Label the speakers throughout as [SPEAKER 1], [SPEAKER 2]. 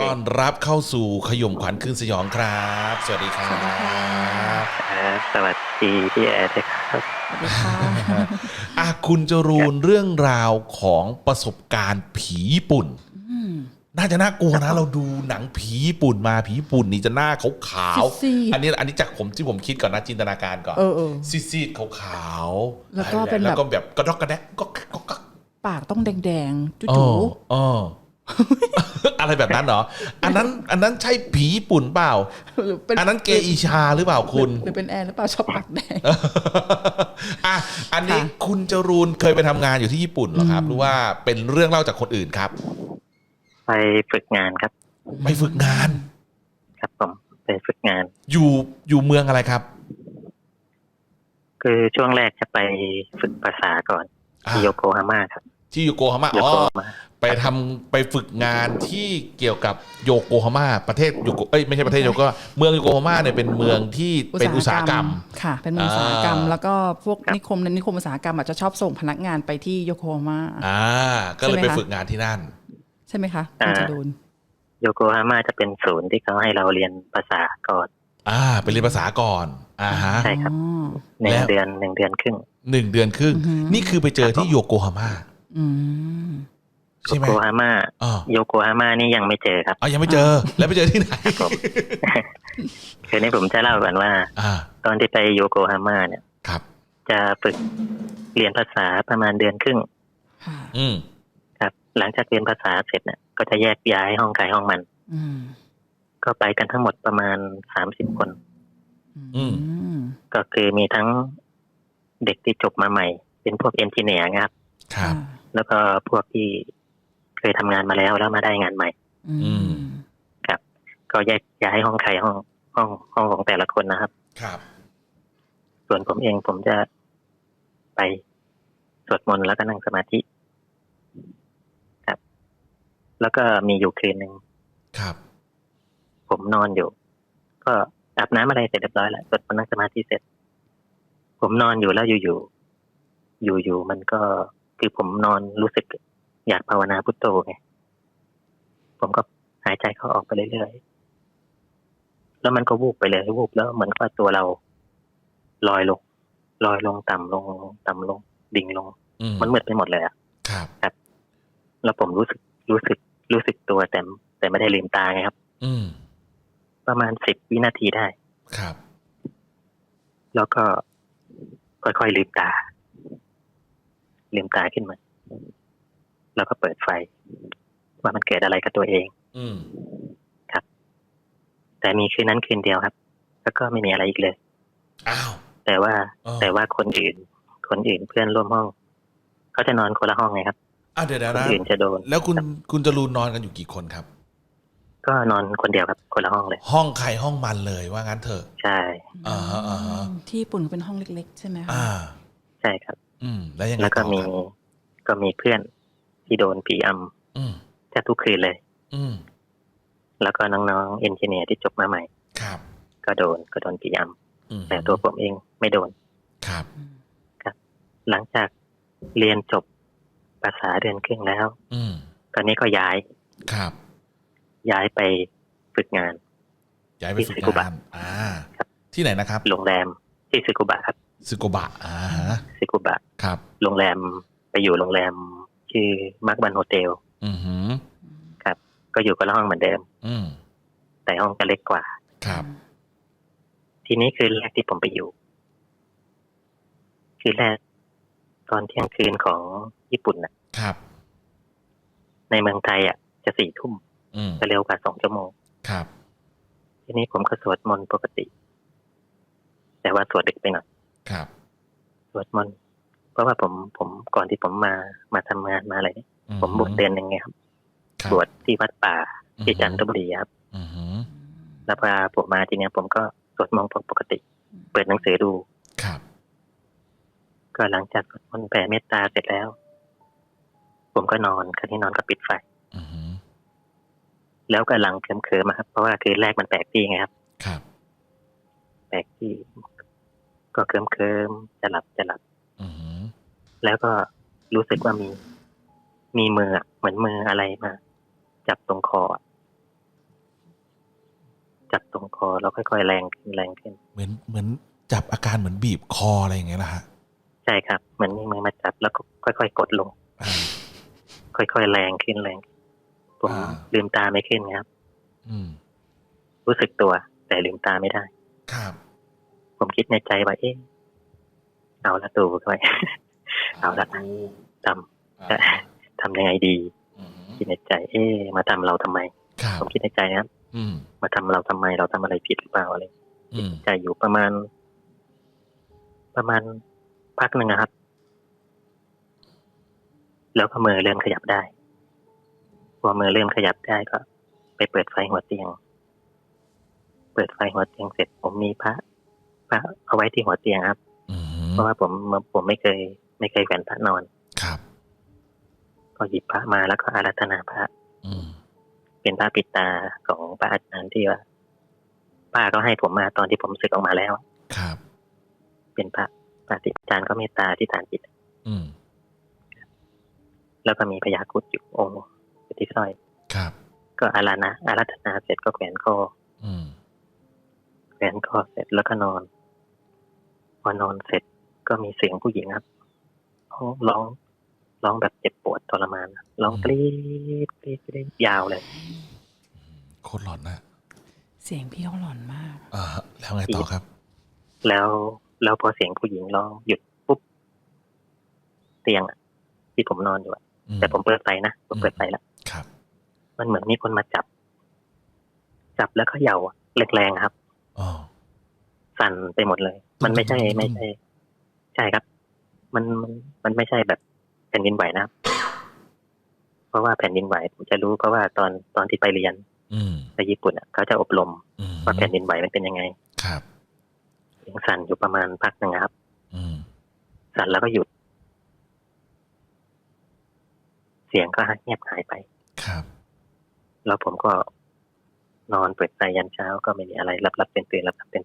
[SPEAKER 1] ต้อนรับเข้าสู่ขย่มขวัญคืนสยองครับสวัสดีครั
[SPEAKER 2] สวัสดีค่ะ
[SPEAKER 1] บ
[SPEAKER 3] สวัสดีพี่แอร์ด้วยครับ
[SPEAKER 2] สวัสดีค่ะ
[SPEAKER 1] คุณจรูนเรื่องราวของประสบการณ์ผีญี่ปุ่นน่าจะน่ากลัวนะเราดูหนังผีญี่ปุ่นมาผีญี่ปุ่นนี่จะหน้าขาว
[SPEAKER 2] ซีด
[SPEAKER 1] ๆอันนี้จากผมที่ผมคิดก่อนนะจินตนาการก่อนซีดๆขาวๆ
[SPEAKER 2] แล้วก็เป็นแบบ
[SPEAKER 1] แล้วก็แบบกระดกกระแดกก็
[SPEAKER 2] ปากต้องแดงๆ
[SPEAKER 1] อ๋
[SPEAKER 2] จู่
[SPEAKER 1] ออะไรแบบนั้นเหรออันนั้นใช่ผีญี่ปุ่นเปล่า
[SPEAKER 2] ๆหรือเป็น
[SPEAKER 1] อันนั้นเกอิชาหรือเปล่าคุณ
[SPEAKER 2] หรือเป็นแอร์หรือเปล่าชอบปากแดง
[SPEAKER 1] อันนี้คุณจรูนเคยไปทำงานอยู่ที่ญี่ปุ่นเหรอครับหรือว่าเป็นเรื่องเล่าจากคนอื่นครับ
[SPEAKER 3] ไปฝึกงานครับ
[SPEAKER 1] ไปฝึกงาน
[SPEAKER 3] ครับผมไปฝึกงาน
[SPEAKER 1] อยู่เมืองอะไรครับ
[SPEAKER 3] คือช่วงแรกจะไปฝึกภาษาก่อนที่โยโกฮาม่าครับ
[SPEAKER 1] ที่โยโกฮาม่าไปฝึกงานที่เกี่ยวกับโยโกฮาม่าประเทศโยโกไม่ใช่ประเทศโยโกเมืองโยโกฮาม่าเนี่ยเป็นเมืองที่เป็นอุตสาหกรรม
[SPEAKER 2] ค่ะเป็นเมืองอุตสาหกรรมแล้วก็พวกนิคมอุตสาหกรรมอาจจะชอบส่งพนักงานไปที่โยโกฮาม่า
[SPEAKER 1] ก็เลยไปฝึกงานที่นั่น
[SPEAKER 2] ใช่ไหมคะคุณจรูน
[SPEAKER 3] โยโกฮาม่าจะเป็นศูนย์ที่เขาให้เราเรียนภาษาก่อน
[SPEAKER 1] ไปเรียนภาษาก่อน
[SPEAKER 3] ใช่ครับ1 เดือนครึ่ง
[SPEAKER 1] 1 เดือนครึ่งนี่คือไปเจอที่โยโกฮาม่า
[SPEAKER 3] โยโกฮาม่าโยโกฮาม่านี่ยังไม่เจอครับ
[SPEAKER 1] ยังไม่เจอแล้วไปเจอที่ไหน
[SPEAKER 3] คือนี่ผมจะเล่าก่อนว่าตอนที่ไปโยโกฮาม่าเนี่ยจะฝึกเรียนภาษาประมาณ1 เดือนครึ่งครับหลังจากเรียนภาษาเสร็จเนี่ยก็จะแยกย้ายห้องใครห้องมันก็ไปกันทั้งหมดประมาณ30 คนก็คือมีทั้งเด็กที่จบมาใหม่เป็นพวกเอนจิเนียร์ครับแล้วก็พวกที่เคยทำงานมาแล้วมาได้งานใหม่ครับก็แยกย้ายห้องใครห้องของแต่ละคนนะครับส่วนผมเองผมจะไปสวดมนต์แล้วก็นั่งสมาธิครับแล้วก็มีอยู่คืนนึงผมนอนอยู่ก็อาบน้ำอะไรเสร็จเรียบร้อยแล้วสวดมนต์นั่งสมาธิเสร็จผมนอนอยู่แล้วอยู่มันก็คือผมนอนรู้สึกอยากภาวนาพุทโธไงผมก็หายใจเข้าออกไปเรื่อยๆแล้วมันก็วูบไปเลยวูบแล้วเหมือนกับตัวเราลอยลงต่ำลงดิ่งลงมันมืดไปหมดเลยครับแล้วผมรู้สึกตัวแต่ไม่ได้ลืมตาไงครับประมาณ10 วินาทีได้
[SPEAKER 1] ครับ
[SPEAKER 3] แล้วก็ค่อยๆลืมตาขึ้นมาแล้วก็เปิดไฟว่ามันเกิดอะไรกับตัวเองครับแต่มีคืนนั้นคืนเดียวครับแล้วก็ไม่มีอะไรอีกเลยแต่ว่าคนอื่นเพื่อนร่วมห้องเขาจะนอนคนละห้องไงครับ
[SPEAKER 1] เดี๋ยว
[SPEAKER 3] คนอื่นจะโดน
[SPEAKER 1] แล้วคุณจรูนนอนกันอยู่กี่คนครับ
[SPEAKER 3] ก็นอนคนเดียวครับคนละห้องเลย
[SPEAKER 1] ห้องใครห้องมันเลยว่างั้นเถอะ
[SPEAKER 3] ใช่
[SPEAKER 2] ที่ญี่ปุ่นเป็นห้องเล็กๆใช่ไหมคะ
[SPEAKER 3] ใช่ครับ
[SPEAKER 1] แล้วยังไง
[SPEAKER 3] แล้วก็มีเพื่อนที่โดนผีอำแทบทุกคืนเลยแล้วก็น้องๆเอนจิเนียร์ที่จบมาใหม่ก็โดนผีอำแต่ตัวผมเองไม่โดนครับหลังจากเรียนจบภาษา1 เดือนครึ่งแล้วตอนนี้ก็ย้ายไปฝึกงาน
[SPEAKER 1] ที่ซึกุบะที่ไหนนะครับ
[SPEAKER 3] โรงแรมที่ซึกุบะครับ
[SPEAKER 1] ซึกุบะ
[SPEAKER 3] ซึกุบะ
[SPEAKER 1] ครับ
[SPEAKER 3] โรงแรมไปอยู่โรงแรมชื่อมาร์กบันโฮเทลครับก็อยู่คนละห้องเหมือนเดิมแต่ห้องจะเล็กกว่า
[SPEAKER 1] ครับ
[SPEAKER 3] ทีนี้คืนแรกที่ผมไปอยู่คืนแรกตอนเที่ยงคืนของญี่ปุ่น
[SPEAKER 1] ครับ
[SPEAKER 3] ในเมืองไทยจะ4 ทุ่มจะเร็วกว่า2 ชั่วโมง
[SPEAKER 1] ครับ
[SPEAKER 3] ทีนี้ผมก็สวดมนต์ปกติแต่ว่าสวดดึกไปหน่อย
[SPEAKER 1] ครับ
[SPEAKER 3] สวดมนต์เพราะว่าผมก่อนที่ผมมาทำงานมาอะไรผมบวชเดือนนึงไงครับบวชที่วัดป่าที่จันทบุรีครับแล้วพอผมมาทีนี้ผมก็สวดมนต์ปกติเปิดหนังสือดู
[SPEAKER 1] ครับ
[SPEAKER 3] ก็หลังจากสวดมนต์แผ่เมตตาเสร็จแล้วผมก็นอนคืนที่นอนก็ปิดไฟแล้วก็หลังเคลิ้มๆครับเพราะว่าคืนแรกมันแปลกที่ไงครับแปลกที่ก็เคลิ้มจะหลับแล้วก็รู้สึกว่ามีมือเหมือนมืออะไรมาจับตรงคอจับตรงคอแล้วค่อยๆแรงขึ้น
[SPEAKER 1] เหมือนจับอาการเหมือนบีบคออะไรอย่างเงี้ยนะฮะ
[SPEAKER 3] ใช่ครับเหมือนมีมือมาจับแล้วก็ค่อยๆกดลงค่อยๆแรงขึ้นผมลืมตาไม่ขึ้นครับรู้สึกตัวแต่ลืมตาไม่ได้
[SPEAKER 1] ครับ
[SPEAKER 3] ผมคิดในใจว่าเอาละตู่ไปเอาละทำยังไงดีคิดในใจมาทำเราทำไมผมคิดในใจนะครับมาทำเราทำไมเราทำอะไรผิดหรือเปล่าอะไรคิดในใจอยู่ประมาณพักหนึ่งนะครับแล้วก็มือเริ่มขยับได้พอมือเริ่มขยับได้ก็ไปเปิดไฟหัวเตียงเสร็จผมมีพระเอาไว้ที่หัวเตียงครับเพราะว่าผมไม่เคยแขวนพระนอน
[SPEAKER 1] ครับ
[SPEAKER 3] ก็หยิบพระมาแล้วก็อาราธนาพระเป็นพระปิดตาของพระอาจารย์ที่ว่าป้าก็ให้ผมมาตอนที่ผมสึกออกมาแล้ว
[SPEAKER 1] ครับ
[SPEAKER 3] เป็นพระอาจารย์ก็เมตตาที่ฐานจิตแล้วก็มีพญาครุฑอยู่องค์อยู่ที่สร้อย
[SPEAKER 1] ครับ
[SPEAKER 3] ก็อาราธนาเสร็จก็แขวนคอเสร็จแล้วก็นอนพอนอนเสร็จก็มีเสียงผู้หญิงครับร้องแบบเจ็บปวดทรมานร้องกรี๊ดยาวเลย
[SPEAKER 1] โคตรหลอนนะ
[SPEAKER 2] เสียงพี่เขาหลอนมาก
[SPEAKER 1] แล้วไงต่อครับ
[SPEAKER 3] แล้วพอเสียงผู้หญิงร้องหยุดปุ๊บเตียงที่ผมนอนอยู่แต่ผมเปิดไฟนะผมเปิดไฟแล้ว
[SPEAKER 1] ครับ
[SPEAKER 3] มันเหมือนมีคนมาจับแล้วเขย่าแรงๆครับสั่นไปหมดเลยมันไม่ใช่ใช่ครับมันไม่ใช่แบบแผ่นดินไหวนะครับเพราะว่าแผ่นดินไหวผมจะรู้เพราะว่าตอนที่ไปเรียนไปญี่ปุ่นเขาจะอบรมว่าแผ่นดินไหวมันเป็นยังไง
[SPEAKER 1] ครับ
[SPEAKER 3] สั่นอยู่ประมาณพักนึงครับสั่นแล้วก็หยุดเสียงก็เงียบหายไป
[SPEAKER 1] ครับ
[SPEAKER 3] แล้วผมก็นอนเปิดไฟยันเช้าก็ไม่มีอะไรหลับตื่น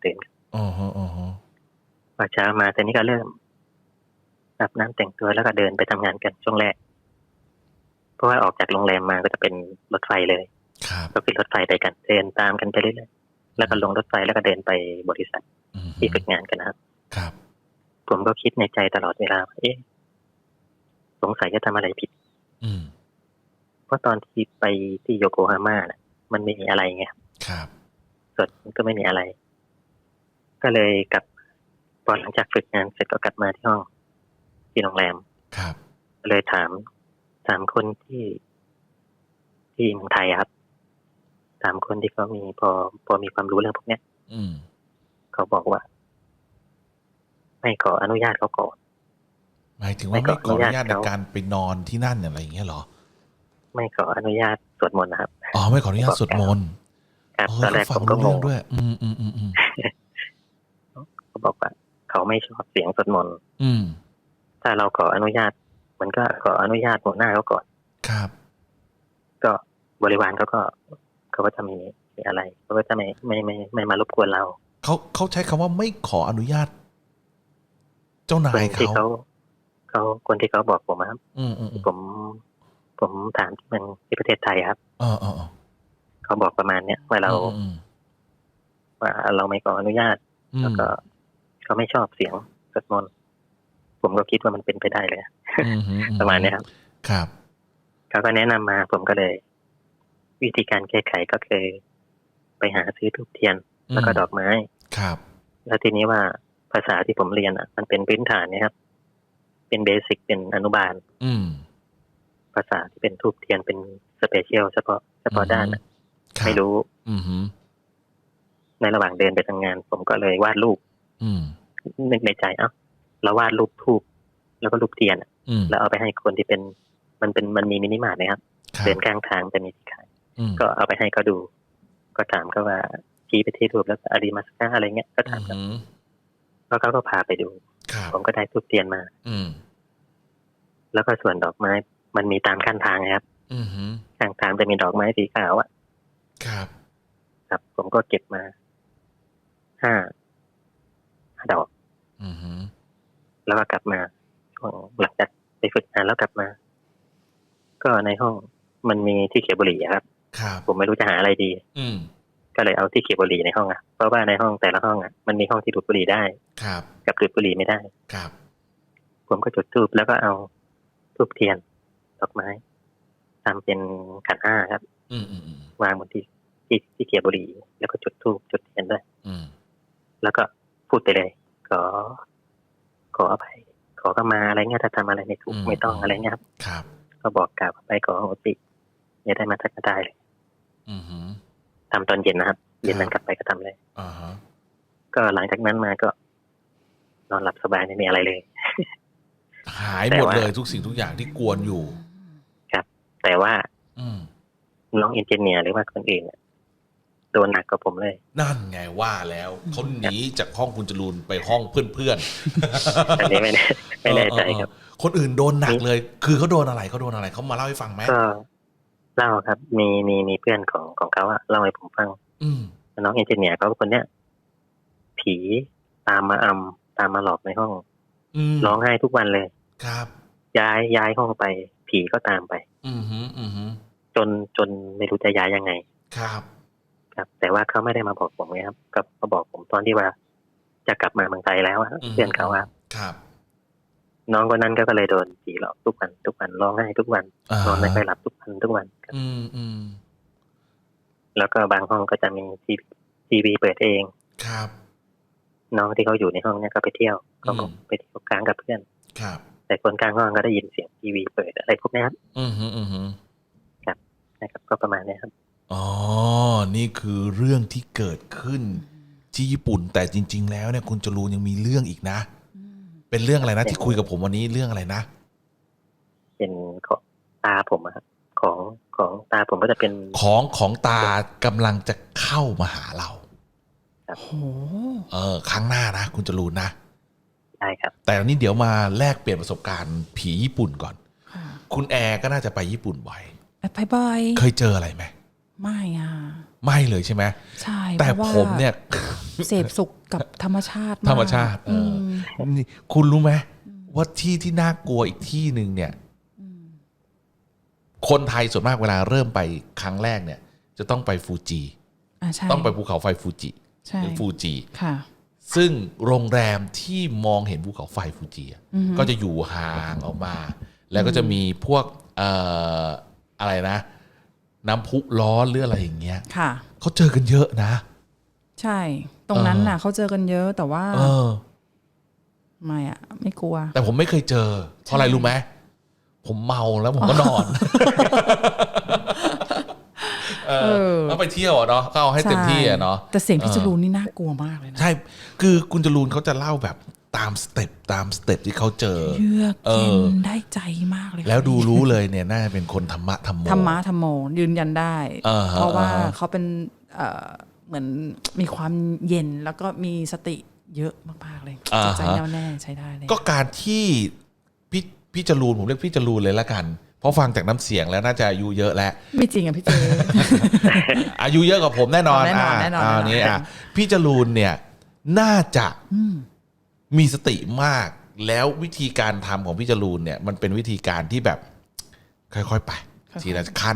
[SPEAKER 3] พอเช้ามาตอนนี้ก็เริ่มอาบน้ำแต่งตัวแล้วก็เดินไปทำงานกันช่วงแรกเพราะว่าออกจากโรงแรมมาก็จะเป็นรถไฟเลยก็ขึ้นรถไฟไปกันเดินตามกันไปเรื่อยๆแล้วก็ลงรถไฟแล้วก็เดินไปบริษัทที่ฝึกงานกัน
[SPEAKER 1] นะครับ
[SPEAKER 3] ผมก็คิดในใจตลอดเวลาสงสัยจะทำอะไรผิดเพราะตอนที่ไปที่โยโกฮาม่าน่ะมันไม่มีอะไรไง
[SPEAKER 1] ครับ
[SPEAKER 3] ส่วนก็ไม่มีอะไรก็เลยกลับพอหลังจากฝึกงานเสร็จก็กลับมาที่ห้องที่โรงแรม
[SPEAKER 1] ครับ
[SPEAKER 3] เลยถามคนที่เมืองไทยครับถามคนที่เขามีพอมีความรู้เรื่องพวกเนี้ยเขาบอกว่าไม่ขออนุญาตเขาก่อน
[SPEAKER 1] หมายถึงว่าไม่ขออนุญาตในการไปนอนที่นั่นอะไรอย่างเงี้ยเหรอ
[SPEAKER 3] ไม่ขออนุญาตสวดมนต์นะครับ
[SPEAKER 1] ไม่ขออนุญาตสวดมนต์
[SPEAKER 3] ครับตอนแรกผมก็งง
[SPEAKER 1] ด้วย
[SPEAKER 3] เขาบอกว่าเขาไม่ชอบเสียงสวดมนต์ถ้าเราขออนุญาตมันก็ขออนุญาตหัวหน้าเขาก่อน
[SPEAKER 1] ครับ
[SPEAKER 3] ก็บริวารเขาก็จะมีอะไรเขาก็จะไม่มารบกวนเรา
[SPEAKER 1] เขาใช้คำว่าไม่ขออนุญาตเจ้านาย
[SPEAKER 3] เขาคนที่เขาบอกผมครับผมถามที่เมืองที่ประเทศไทยครับเขาบอกประมาณเนี้ยว่าเราไม่ขออนุญาตแล้วก็เขาไม่ชอบเสียงสวดมนต์ผมก็คิดว่ามันเป็นไปได้เลยประมาณนี้ครับ
[SPEAKER 1] ครับ
[SPEAKER 3] เขาก็แนะนำมาผมก็เลยวิธีการแก้ไขก็คือไปหาซื้อธูปเทียนแล้วก็ดอกไม้
[SPEAKER 1] ครับ
[SPEAKER 3] แล้วทีนี้ว่าภาษาที่ผมเรียนมันเป็นพื้นฐานนะครับเป็นเบสิกเป็นอนุบาลภาษาที่เป็นธูปเทียนเป็นสเปเชียลเฉพาะด้านไม่รู้ในระหว่างเดินไปทำงานผมก็เลยวาดรูปนึกในใจเราวาดรูปธูปแล้วก็รูปเทียนแล้วเอาไปให้คนที่เป็นมันมีมินิมาร์ทนะครับเดินกลางทางจะมีที่ขายก็เอาไปให้เขาดูก็ถามเขาว่าชี้ไปที่รูปแล้วอาริมัสกาอะไรเงี้ยก็ถามเขาแล้วเขาก็พาไปดูผมก็ได้ธูปเทียนมาแล้วก็ส่วนดอกไม้มันมีตามข้างทางครับข้างทางจะมีดอกไม้สีขาวครับผมก็เก็บมา5 ดอกแล้วก็กลับมาช่วงหลังจากไปฝึกงานแล้วกลับมาก็ในห้องมันมีที่เก็บบุหรี่ครับผมไม่รู้จะหาอะไรดีก็เลยเอาที่เก็บบุหรี่ในห้องเพราะว่าในห้องแต่ละห้องมันมีห้องที่ดูดบุหรี่ได้
[SPEAKER 1] ครับ
[SPEAKER 3] กับดูดบุหรี่ไม่ได้
[SPEAKER 1] ครับ
[SPEAKER 3] ผมก็จุดธูปแล้วก็เอาธูปเทียนดอกไม้ทำเป็นขันห้าครับวางบนที่เก็บบุหรี่แล้วก็จุดธูปจุดเทียนด้วยแล้วก็พูดไปเลยขออภัยขอเข้ามาอะไรเงี้ยถ้าทำอะไรไม่ถูกไม่ต้องอะไรเงี้ย
[SPEAKER 1] ครับ
[SPEAKER 3] ก็บอกกล่าวไปขอโหสิอย่าได้มาทักก็ได้เลยทำตอนเย็นนะครับเย็นนั้นกลับไปก็ทำเลยก็หลังจากนั้นมาก็นอนหลับสบายไม่มีอะไรเลย
[SPEAKER 1] หายหมดเลยทุกสิ่งทุกอย่างที่กวนอยู่
[SPEAKER 3] ครับแต่ว่าน้องเอนจิเนียร์หรือว่าคนอื่นโดนหนักกว่าผมเลย
[SPEAKER 1] นั่นไงว่าแล้วเขาหนีจากห้องคุณจรูนไปห้องเพื่อน
[SPEAKER 3] ๆอันนี้ไม่แน่ใจครับ
[SPEAKER 1] คนอื่นโดนหนักเลยคือเขาโดนอะไรเขามาเล่าให้ฟังไหม
[SPEAKER 3] ก็เล่าครับมีเพื่อนของเขาเล่าให้ผมฟังน้องเอนจิเนียร์เขาคนเนี้ยผีตามมาหลอกในห้องร้องไห้ทุกวันเลย
[SPEAKER 1] ครับ
[SPEAKER 3] ย้ายห้องไปผีก็ตามไปจนไม่รู้จะย้ายยังไง
[SPEAKER 1] ครับ
[SPEAKER 3] แต่ว่าเขาไม่ได้มาบอกผมไงครับก็มาบอกผมตอนที่ว่าจะกลับมาเมืองไทยแล้วเพื่อนเขา
[SPEAKER 1] ครับ
[SPEAKER 3] น้องคนนั้นก็เลยโดนผีหลอกทุกวันร้องไห้ทุกวันนอนไม่ค่อยหลับทุกวันแล้วก็บางห้องก็จะมีทีวีเปิดเอง
[SPEAKER 1] ครับ
[SPEAKER 3] น้องที่เขาอยู่ในห้องเนี่ยก็ไปเที่ยวก็ไปเที่ยวกลางกับเพื่อน
[SPEAKER 1] ครับ
[SPEAKER 3] แต่คนกลางห้องก็ได้ยินเสียงทีวีเปิดอะไรพวกนี้ครับครับนะครับก็ประมาณนี้ครับ
[SPEAKER 1] อ๋อนี่คือเรื่องที่เกิดขึ้นที่ญี่ปุ่นแต่จริงๆแล้วเนี่ยคุณจรูนยังมีเรื่องอีกนะเป็นเรื่องอะไรนะที่คุยกับผมวันนี้เรื่องอะไรนะ
[SPEAKER 3] เป็นของตาผมครับของตาผมก็จะเป็น
[SPEAKER 1] ของตากำลังจะเข้ามาหาเรา
[SPEAKER 3] ครับ
[SPEAKER 1] ครั้งหน้านะคุณจรูนนะ
[SPEAKER 3] ใช่ครับ
[SPEAKER 1] แต่วันนี้เดี๋ยวมาแลกเปลี่ยนประสบการณ์ผีญี่ปุ่นก่อนคุณแอร์ก็น่าจะไปญี่ปุ่นบ่อย
[SPEAKER 2] ไปบ่อย
[SPEAKER 1] เคยเจออะไรไหม
[SPEAKER 2] ไม่
[SPEAKER 1] เลยใช่ไหม
[SPEAKER 2] ใช่
[SPEAKER 1] แต่ผมเนี่ย
[SPEAKER 2] เสพสุขกับธรรมชาติ
[SPEAKER 1] นี่คุณรู้ไหมว่าที่น่ากลัวอีกที่หนึ่งเนี่ยคนไทยส่วนมากเวลาเริ่มไปครั้งแรกเนี่ยจะต้องไปฟูจิต้องไปภูเขาไฟฟูจิหรือฟูจิซึ่งโรงแรมที่มองเห็นภูเขาไฟฟูจิก็จะอยู่ห่างออกมาแล้วก็จะมีพวกอะไรนะน้ำพุร้อนหรืออะไรอย่างเงี้ยเขาเจอกันเยอะนะ
[SPEAKER 2] ใช่ตรงนั้นน่ะเขาเจอกันเยอะแต่ว่าไม่กลัว
[SPEAKER 1] แต่ผมไม่เคยเจอเพราะอะไรรู้ไหมผมเมาแล้วผมก็นอนแล้วไปเที่ยวเนาะก็เอาให้เต็มที่เนาะ
[SPEAKER 2] แต่เสียงพี่จรูนนี่น่ากลัวมากเลยนะ
[SPEAKER 1] ใช่คือคุณจรูนเขาจะเล่าแบบตามสเต็ปที่เขาเจอ
[SPEAKER 2] เยือกเย็นได้ใจมากเลย
[SPEAKER 1] แล้วดูรู้เลยเนี่ยน่าจะเป็นคนธรรมะธรร
[SPEAKER 2] มโมยืนยันได้เพราะว่าเขาเป็นเหมือนมีความเย็นแล้วก็มีสติเยอะมากๆเลยจิตใจแน่วแน่ใช้ได้เลย
[SPEAKER 1] ก็การที่พี่จรูนผมเรียกพี่จรูนเลยละกันเพราะฟังจากน้ำเสียงแล้วน่าจะอายุเยอะแล้ว
[SPEAKER 2] ไม่จริงอ่ะพี่เจ
[SPEAKER 1] อายุเยอะกว่าผมแน่นอนนี้พี่จรูนเนี่ยน่าจะมีสติมากแล้ววิธีการทำของพี่จรูนเนี่ยมันเป็นวิธีการที่แบบค่อยๆไปทีละขั้น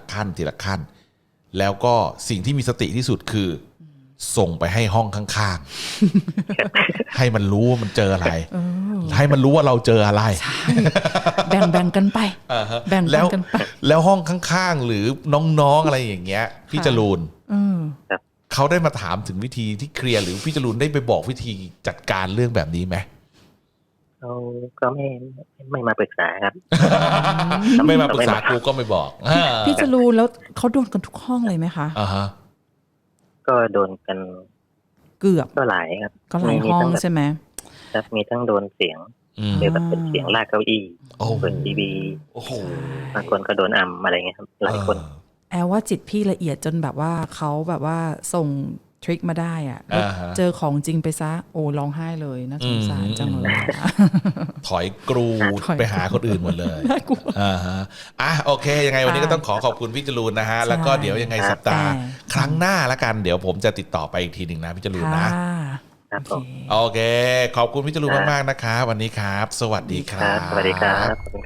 [SPEAKER 1] แล้วก็สิ่งที่มีสติที่สุดคือส่งไปให้ห้องข้างๆให้มันรู้ว่ามันเจออะไรให้มันรู้ว่าเราเจออะไร
[SPEAKER 2] แบ่งกันไปแบ่งกันไป
[SPEAKER 1] แล้วห้องข้างๆหรือน้องๆอะไรอย่างเงี้ยพี่จรูนเขาได้มาถามถึงวิธีที่เคลียร์หรือพี่จรูนได้ไปบอกวิธีจัดการเรื่องแบบนี้ไหม
[SPEAKER 3] เขาก็ไม่มาปรึกษาครับ
[SPEAKER 1] ไม่มาปรึกษากูก็ไม่บอก
[SPEAKER 2] พี่จรูนแล้วเขาโดนกันทุกห้องเลยไหมคะ
[SPEAKER 3] ก็โดนกัน
[SPEAKER 2] เกือบ
[SPEAKER 3] ก็หลายครับ
[SPEAKER 2] ก็หลายห้องใช่ไหม
[SPEAKER 3] ครับมีทั้งโดนเสียงหรือแบบเป็นเสียงลากเก้าอี้เปิดทีวีบางคนก็โดนอะไรเงี้ยครับหลายคน
[SPEAKER 2] แอบว่าจิตพี่ละเอียดจนแบบว่าเขาแบบว่าส่งทริคมาได้อ่ะเจอของจริงไปซะโอ้ร้องไห้เลยน่าสงสารจังเลย
[SPEAKER 1] ถอยกรูไปหาคนอื่นหมดเลยโอเคยังไงวันนี้ก็ต้องขอบคุณพี่จรูนนะฮะแล้วก็เดี๋ยวยังไงสัปดาห์ครั้งหน้าละกันเดี๋ยวผมจะติดต่อไปอีกทีหนึ่งนะพี่จรูนนะโอเคขอบคุณพี่จรูนมากๆนะคะวันนี้ครับสวัสดีครับ
[SPEAKER 3] สวัสดีครับ